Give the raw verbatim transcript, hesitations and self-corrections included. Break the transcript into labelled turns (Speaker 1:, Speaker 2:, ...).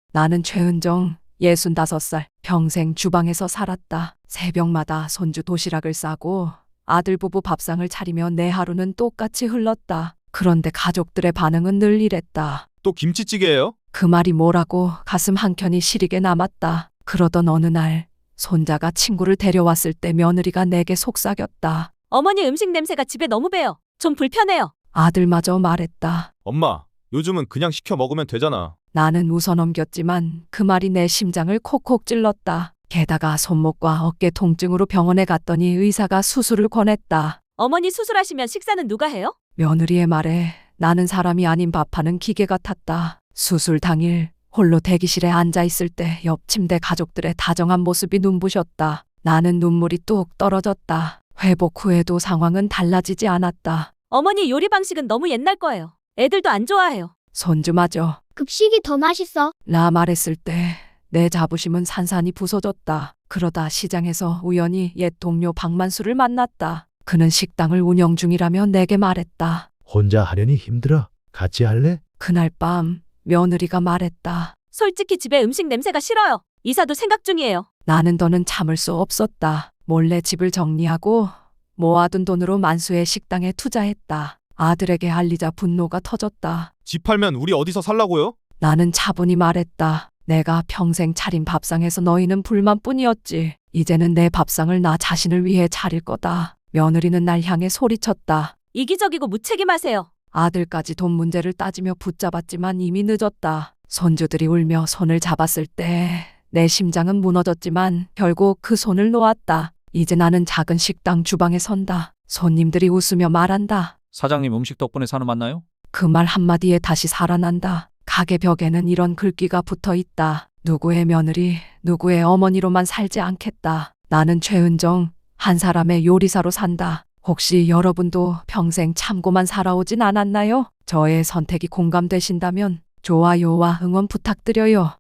Speaker 1: 나는 최은정, 예순다섯 살, 평생 주방에서 살았다. 새벽마다 손주 도시락을 싸고 아들 부부 밥상을 차리며 내 하루는 똑같이 흘렀다. 그런데 가족들의 반응은 늘 이랬다.
Speaker 2: 또 김치찌개예요?
Speaker 1: 그 말이 뭐라고 가슴 한켠이 시리게 남았다. 그러던 어느 날 손자가 친구를 데려왔을 때 며느리가 내게 속삭였다.
Speaker 3: 어머니 음식 냄새가 집에 너무 배요. 좀 불편해요.
Speaker 1: 아들마저 말했다.
Speaker 2: 엄마, 요즘은 그냥 시켜 먹으면 되잖아.
Speaker 1: 나는 웃어넘겼지만 그 말이 내 심장을 콕콕 찔렀다. 게다가 손목과 어깨 통증으로 병원에 갔더니 의사가 수술을 권했다.
Speaker 3: 어머니 수술하시면 식사는 누가 해요?
Speaker 1: 며느리의 말에 나는 사람이 아닌 밥하는 기계 같았다. 수술 당일 홀로 대기실에 앉아 있을 때 옆 침대 가족들의 다정한 모습이 눈부셨다. 나는 눈물이 뚝 떨어졌다. 회복 후에도 상황은 달라지지 않았다.
Speaker 3: 어머니 요리 방식은 너무 옛날 거예요. 애들도 안 좋아해요.
Speaker 1: 손주마저
Speaker 4: 급식이 더 맛있어.
Speaker 1: 라 말했을 때 내 자부심은 산산이 부서졌다. 그러다 시장에서 우연히 옛 동료 박만수를 만났다. 그는 식당을 운영 중이라며 내게 말했다.
Speaker 5: 혼자 하려니 힘들어. 같이 할래?
Speaker 1: 그날 밤 며느리가 말했다.
Speaker 3: 솔직히 집에 음식 냄새가 싫어요. 이사도 생각 중이에요.
Speaker 1: 나는 더는 참을 수 없었다. 몰래 집을 정리하고 모아둔 돈으로 만수의 식당에 투자했다. 아들에게 알리자 분노가 터졌다.
Speaker 2: 집 팔면 우리 어디서 살라고요?
Speaker 1: 나는 차분히 말했다. 내가 평생 차린 밥상에서 너희는 불만뿐이었지. 이제는 내 밥상을 나 자신을 위해 차릴 거다. 며느리는 날 향해 소리쳤다.
Speaker 3: 이기적이고 무책임하세요.
Speaker 1: 아들까지 돈 문제를 따지며 붙잡았지만 이미 늦었다. 손주들이 울며 손을 잡았을 때 내 심장은 무너졌지만 결국 그 손을 놓았다. 이제 나는 작은 식당 주방에 선다. 손님들이 웃으며 말한다.
Speaker 6: 사장님 음식 덕분에 사는 맞나요?
Speaker 1: 그 말 한마디에 다시 살아난다. 가게 벽에는 이런 글귀가 붙어 있다. 누구의 며느리, 누구의 어머니로만 살지 않겠다. 나는 최은정, 한 사람의 요리사로 산다. 혹시 여러분도 평생 참고만 살아오진 않았나요? 저의 선택이 공감되신다면 좋아요와 응원 부탁드려요.